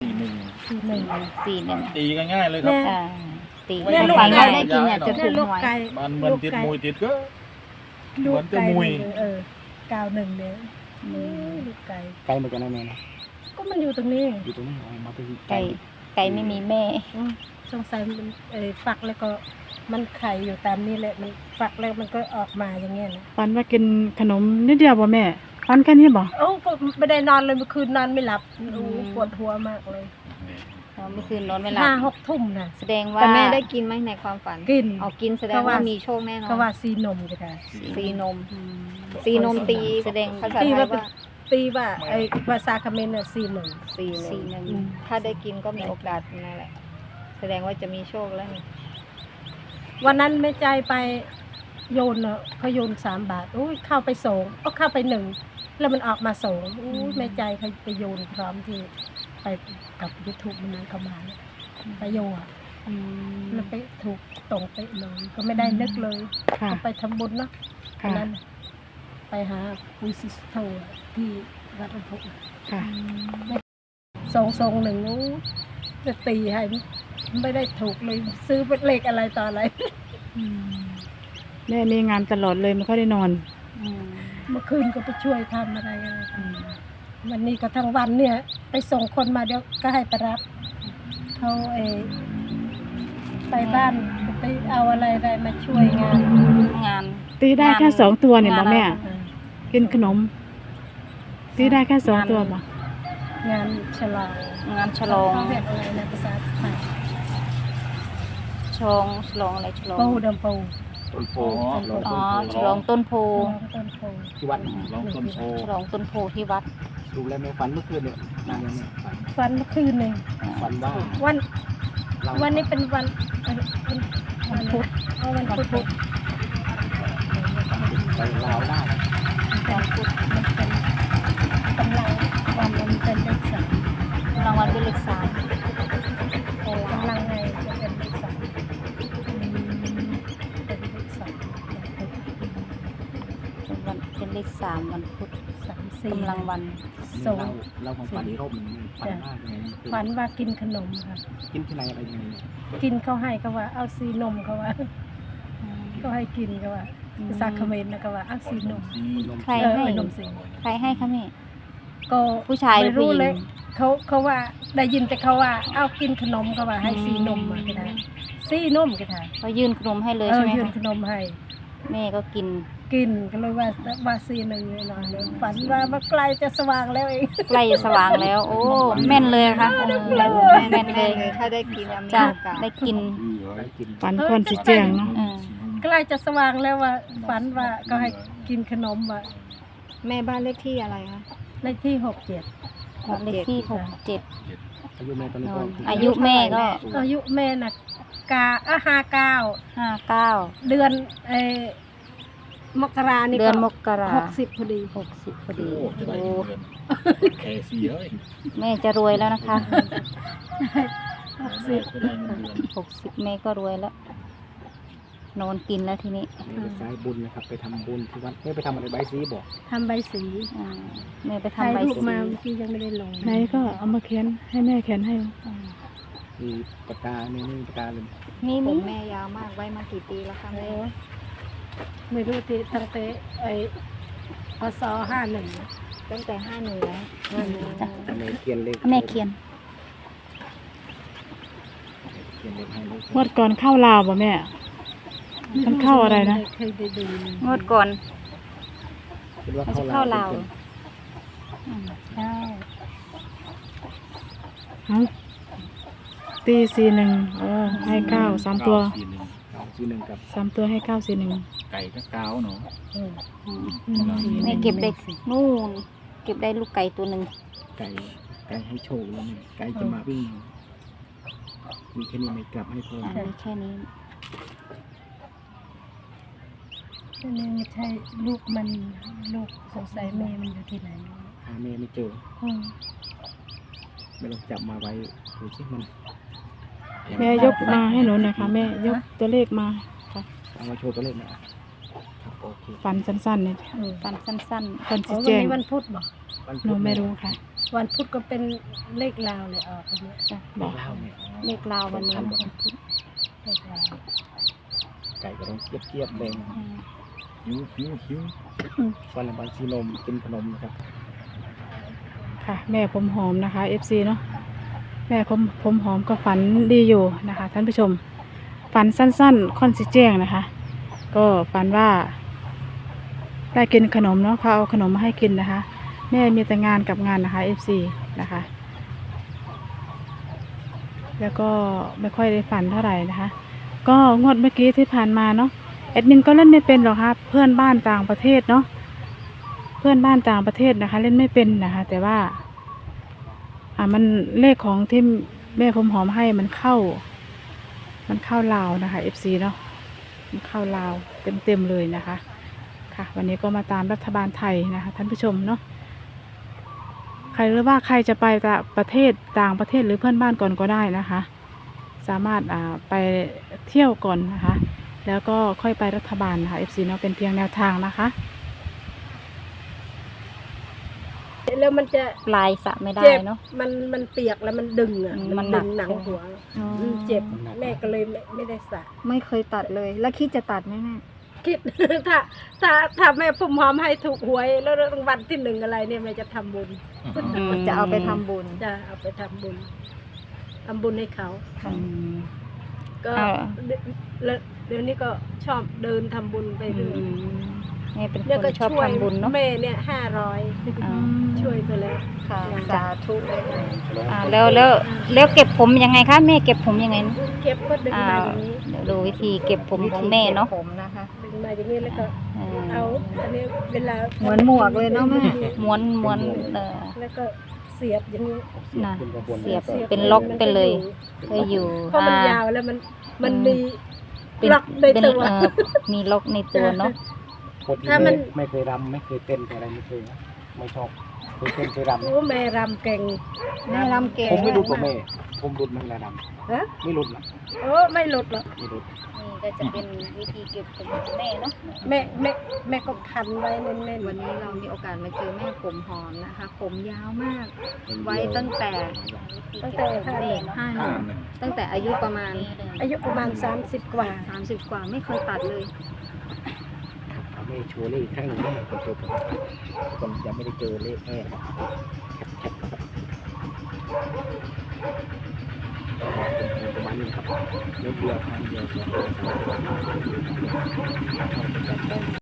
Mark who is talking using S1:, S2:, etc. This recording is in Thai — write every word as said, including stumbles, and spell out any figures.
S1: สี่หนึ่ง
S2: สี่หนึ่ง
S3: สี่หนึ่ง
S1: ตีกันง่ายเลยครับ
S3: อ่าตี
S2: เนี่ยลูก
S3: ฟัง
S2: ไก่
S3: เราได้กินเนี่ยจะถู
S2: เนี่ย
S3: ก
S2: ลูก
S3: หวย
S2: ไก่
S1: มันเหมือนติดมวยติดก็
S2: ลูกไก่
S1: เหมือนจะมุย
S2: หนึ่งเออเก้าหนึ่งเนี่ย
S3: อืม
S2: ลูกไก่
S4: ไกลเหมือนกันนะแม่นะ
S2: ก็มันอยู่ตรงนี้
S4: อยู่ตรงนี้เอามาเป็น
S3: ไก่ไก่ไม่มีแม่
S2: อืมสงสัยมันเออฝักแล้วก็มันไข่อยู่ตามนี้แหละมันฝักแล้วมันก็ออกมาอย่างเงี้ยนะ
S5: ฝันว่ากินขนมนิดเดียวบ่แม่ฝันแค่นี้บ่
S2: โอ้ก็ไม่ได้นอนเลยเมื่อคืนนอนไม่หลับโอ้ปวดหัวมากเลย
S3: เราเมื่อคืนนอนไม่หลับ
S2: ห้าหกทุ่มนะ
S3: แสดงว่า
S6: แต่แม่ได้กินไหมในความฝัน
S2: กิน
S6: เอากินแสดง
S2: ก็ว่า
S6: ว่ามีโชคแน่นอน
S2: ก็ว่าซีนมก็ได้
S6: ซีนมซีนมตี
S3: แสดง
S6: ภาษา
S2: ตี
S6: ไทย
S2: ว่าเป็น
S6: ว่า
S2: ตีว่าไอ้ภาษาเขมรน่ะซีหนึ่ง
S6: ซีห
S3: สี่
S6: นึ่ง
S3: หนึ่ง
S6: ถ้าได้กินก็มีโอกาสนั่นแหละ แสดงว่าจะมีโชคแล้วนี่
S2: วันนั้นแม่ใจไปโยนเนาะเขาโยนสามบาทอุ้ยเข้าไปสองก็เข้าไปหนึ่งแล้วมันออกมาสองอุ้ยแม่ใจเขาไปโยนพร้อมที่ไปกับยูทูบมันนั้นเขามาเนี่ยไปโยนอะ
S3: อืม
S2: แล้วไปถูกตรงไปเลยก็ไม่ได้นึกเลย
S5: ค่ะ
S2: ก็ไปทำบุญเนาะวัน
S5: ค่ะ
S2: นั้น ไปหาปุยซิสโตที่วัดอุพุ
S5: ค่ะ
S2: สองสองหนึ่งอู้จะตีให้ไม่ได้ถูกเลยซื้อเป็นเลขอะไรต่ออะไร
S5: แม่มีงานตลอดเลยไม่ค่อยได้นอน
S3: อืม
S2: เมื่อคืนก็ไปช่วยทำอะไรอะไรทำวันนี้ก็ทั้งวันเนี่ย ไปส่งคนมาเดี๋ยวก็ให้ไปรับเขาเออไปบ้านก็ไปเอาอะไรอะไรมาช่วยงาน
S3: งาน
S5: ตีได้แค่สองตัวเนี่ยบ่แม่
S3: งาน
S2: อ่า
S5: กินขนม ตีได้แค่สองตัวบ่
S2: งานฉลอง
S3: งานฉลอง
S2: เขาเรียกอะไรนะภาษาไทย
S3: ฉลองฉลองอะไรฉลอง
S2: ปูดำปู
S4: ต้นโพ
S3: อ๋อฉลองต้นโพ
S2: ต้นโพ
S4: ที่วัด
S1: ลองต้นโพ
S3: ฉลองต้นโพที่วัด
S4: ดูแลแม่ฝันเมื่อคืนเนี่ยนานยังแม่ฝัน
S2: วันเมื่อคืนหนึ่ง
S4: ฝันว่า
S2: วัน
S4: เรา
S2: วันนี้เป็นวันวันวันพุธเอาวันพุธ
S4: ไปลาวได้
S2: วันพุธมันเป็นกำลังวันมันเป็นเลขสาม
S3: รางวัลเป็นเลขสาม
S2: โอ้กำลังไงจะเป็นเลขสามเป็นเลขสาม
S3: เป็นวันเป็นเลขสามวันพุธ
S2: สามสี่
S3: กำลังวัน
S2: สอง
S4: เราเราของฝันอีกรอบหนึ่งฝันมากเลย
S2: ฝันว่ากินขนมค่ะ
S4: กินที่ไหนอะไรยังไง
S2: กินเขาให้เขาว่าเอาซีนมเขาว่าเขาให้กินเขาว่าภาษาเขมรนะเขาว่าเอาซีนม
S3: ใคร
S2: เออ
S3: ให้
S2: นมซี
S3: ใครให้คะแม่
S2: ก็
S3: ผู้ชายหรือ
S2: ไม่รู้
S3: ผู้หญิง
S2: เลยเขาเขาว่าได้ยินแต่เขาว่าเอากินขนมเขาว่าให้ซีนมมาก็ได้ซีนมก็ได้
S3: เขายื่นขนมให้เลย
S2: เอ
S3: ใช่
S2: อ
S3: ไหม
S2: ยื่นข
S3: คะ
S2: นมให้
S3: แม่ก็กิน
S2: กินก็เลยว่าว่าซีหนึ่งเลยหน่อยเลยฝันว่ามันใกล้จะสว่างแล้วเอง
S3: ใกล้จะสว่างแล้ว โอ้แม่นเลยค่ะโอ้แม่นเลย
S6: ถ้าได้กินอะมี
S3: จ้ะ
S6: โอกาส
S3: ได้กิน
S4: ได้กิน
S5: ฝันคนสิแจ้งเนาะ
S3: เออ
S2: ใกล้จะสว่างแล้วว่าฝันว่าก็ให้กินขนมว่า
S6: แม่บ้านเลขที่อะไรคะ
S2: เลขที่หกเจ็ด
S3: เลขที่หกเจ็ด
S4: อายุแม่ตอนนี้ก็
S3: อายุแม่ก็
S2: อายุแม่น่ะกาอ่ะห้าเก้า
S3: ห้าเก้า
S2: เดือนเออมกรานี่
S3: เดือนมกรา
S2: หกสิบพอดี
S3: หกสิบพอดี
S1: โอ้จะได้
S3: โอ้
S1: เงินแค่สี่เฮ้ย
S3: แม่จะรวยแล้วนะคะ
S2: หกสิบ
S1: จะได้เงินเดือน
S3: หกสิบแม่ก็รวยแล้ว นอนกินแล้วทีนี้
S4: แม่ไปสายบุญนะครับ ไปทำบุญที่วัดแม่ไปทำอะไรใบซีบอก
S2: ทำใบสี
S3: อ่าแม่ไป
S2: ถ่าย
S3: ทำใบ
S2: รูป
S3: สี
S2: มาเมื่อกี้ยังไม่ได้ลง
S5: ไหนก็เอามาเขียนให้แม่เขียนให้
S4: มีปากกาเนี่ยนี่ปากกาเลย
S3: นี่
S6: ผ
S3: นี่
S6: มแม่ยาวมากไว้มากี่ปีแล้วคะแม่
S2: ไม่รู้ที่ตั้งแต่ไอ้พศห้าหนึ่ง
S6: ตั้งแต่ห้าหนึ่งแล้ว
S3: จ้ะ
S4: แม่เขียนเลข
S3: แม่เขียน
S4: เขียนเลขให้เลข
S5: งวดก่อนเข้าลาวบ่แม่ มันเข้าอะไรนะ
S2: เคยได้ดู
S3: งวดก่อน
S4: คิดว่า
S3: มันจะ
S4: เข้า
S3: เข้า
S4: ลา
S3: ลาว วอืมใช่
S5: เอ้าตีสี่หนึ่งเออให้เก้าสามตัว
S1: เก้สี่หนึ่ง
S4: ซีหนึ่งกับ
S5: สามตัวให้เก้าสี่หนึ่ง
S1: ไก่ก็เก้าเนาะ
S2: เออ
S3: อืมแม่เก็บได้นู่น เก็บได้ลูกไก่ตัวหนึ่ง
S4: ไก่ไก่ให้โชคแล้วนี่ไก่จะมาวิ่งมีแค่นี้ไม่กลับให้พ่อ
S3: อ่ามีแค่นี้
S2: อันนี้ไม่ใช่ลูกมันลูกสงสัยแม่มันอยู่ที่ไหน
S4: หาแม่ไม่เจอ
S2: อืม
S4: ไม่ลองจับมาไว้ดูสิมัน
S5: แม่ยกมาให้หนูหน่อยค่ะแม่ยกตัวเลขมาค่ะ
S4: เอามาโชว์ตัวเลขหน่อยครับโอเค
S5: ฝันสั้นๆเนี่ย
S2: เออ
S3: ฟันสั้น
S5: คน
S2: อ๋
S5: สิ
S2: อวัน
S5: แจ้ง
S2: นี้วันพุธบ่
S4: วัน
S5: หนูไม่รู้ค่ะ
S2: ววันพุธก็เป็นเลขลาวเลยออกอันเนี้ย
S3: จ้ะ
S4: บอกเล่าเนี่ย
S3: เลขลาววันนี้นะวันพุธ
S2: เลขลาว
S4: ไก่ก็ต้องเกียบเกียบๆเลย
S3: อืม
S1: หิวหิวหิว
S4: วันละบางซีนมกินขนมนะครับ
S5: ค่ะ แม่ผมหอมนะคะ เอฟ ซี เนาะแม่ผมผมหอมก็ฝันดีอยู่นะคะ ท่านผู้ชม ฝันสั้นๆค่อนสิแจ้งนะคะ ก็ฝันว่า ได้กินขนมเนาะเขาเอาขนมมาให้กินนะคะ แม่มีแต่งานกับงานนะคะ เอฟ ซี นะคะ แล้วก็ไม่ค่อยได้ฝันเท่าไหร่นะคะ ก็งวดเมื่อกี้ที่ผ่านมาเนาะแอดมินก็เล่นไม่เป็นหรอกครับเพื่อนบ้านต่างประเทศเนาะเพื่อนบ้านต่างประเทศนะคะ เล่นไม่เป็นนะคะ แต่ว่า อ่ามันเลขของที่แม่ผมหอมให้มันเข้า มันเข้าลาวนะคะ เอฟ ซี เนาะมันเข้าลาวเต็มๆเลยนะคะ ค่ะ วันนี้ก็มาตามรัฐบาลไทยนะคะ ท่านผู้ชมเนาะใครหรือว่าใครจะไปต่างประเทศต่างประเทศหรือเพื่อนบ้านก่อนก็ได้นะคะ สามารถอ่าไปเที่ยวก่อนนะคะ แล้วก็ค่อยไปรัฐบาลนะคะ เอฟ ซี เนาะเป็นเพียงแนวทางนะคะ
S2: แล้วมันจะ
S3: ปลายสระไม่ได้
S2: เจ็บ
S3: เนาะ
S2: มันมันเปียกแล้วมันดึงอ่ะ
S3: อืม
S2: มั
S3: มัน นหนั
S2: ดึ
S3: ก
S2: งหนังหัว
S3: อ๋อ
S2: อืมเจ็บแม่ก็เลยไม่ไม่ได้สระ
S3: ไม่เคยตัดเลย แล้วคิดจะตัดไหมแม่
S2: คิด ถ้าถ้าถ้าแม่พุ่มหอมให้ถูกหวยแล้วรางวัลที่หนึ่งอะไรเนี่ยแม่จะทำบุญ
S3: อืมจะเอาไปทำบุญ
S2: จะเอาไปทำบุญทำบุญให้เขา
S3: อืม
S2: ก็
S3: อ่า
S2: เดี๋ยวแล้วเดี๋ยวนี้ก็ชอบเดินทำบุญไปเรื่อย
S3: แม่เป็นค
S2: เนี่ยก็
S3: นชอบ
S2: ช่วย
S3: ทำบุญเนาะ
S2: แม่เนี่ยห้าร้อย
S3: อ่า
S2: ช่วยไปแล้ว
S3: ค่ะ
S2: สาธุ
S3: อ่าแล้วแล้วแล้วเก็บผมยังไงคะแม่เก็บผมยังไงนะ
S2: เก็บก็ดึง
S3: อ่า
S2: มาอย่างนี้
S3: เดี๋ยวดูวิธีเก็บผมของแม่เนาะ
S6: ผมนะคะ
S2: ดึงมาอย่างนี้แล้วก็
S3: เออ
S2: เอาอันนี้เวลา
S6: เหมือนหมวกเลยเนาะแม่
S3: ม้วนม้วนเออ
S2: แล้วก็เสียบอย่างนี้
S3: น่ะ
S4: เป็นกระบวน
S3: เสียบ
S2: สียบ
S3: เป็นล็อก
S2: มั
S3: ไปเลย
S2: ก็
S3: ก็อยู่
S2: เพราะมัน
S3: อ่
S2: ยาวแล้วมันมัน
S3: อืม
S2: มี
S3: เป็น
S2: ล็อกใน
S3: เป็น
S2: ตัว
S3: เอ่อมีล็อกในตัวเนาะ
S4: คนที่
S2: ถ้ามัน
S4: ไม่ไม่เคยรำไม่เคยเต้นอะไรไม่เคยนะไม่ชอบเคยเต้นเคยรำ
S2: โอ้แม่รำเก่ง
S3: แม่รำเก่ง
S4: ผมไม่รุดกับแม่ผมรุดมันละร
S2: ฮะ
S4: ำไม่รุดหรอก
S2: โอ้ไม่หลุดหรอก
S4: ไม่รุด
S3: นี่ก็จะเป็นวิธีเก็บผมของแม่เนาะ
S2: แม่แม่แม่ก็พันไว้แน่นๆ
S6: วันนี้เรามีโอกาสมาเจอแม่ผมหอมนะคะ ผมยาวมาก
S4: เป็น
S6: ไว้ตั้งแต่
S2: ตั้งแต่ห้าเดือน
S6: ห้าหนึ่งตั้งแต่อายุประมาณ
S2: อายุประมาณสามสิบกว่า
S6: สามสิบกว่าไม่เคยตัดเลย
S4: ครับเอาแม่โชว์เลขอีกครั้งหนึ่งแม่คนโตผมคนยังไม่ได้เจอเลขแม่ครับแคปแคปครับประมาณนี้ครับเดียวเดียวทางเดียว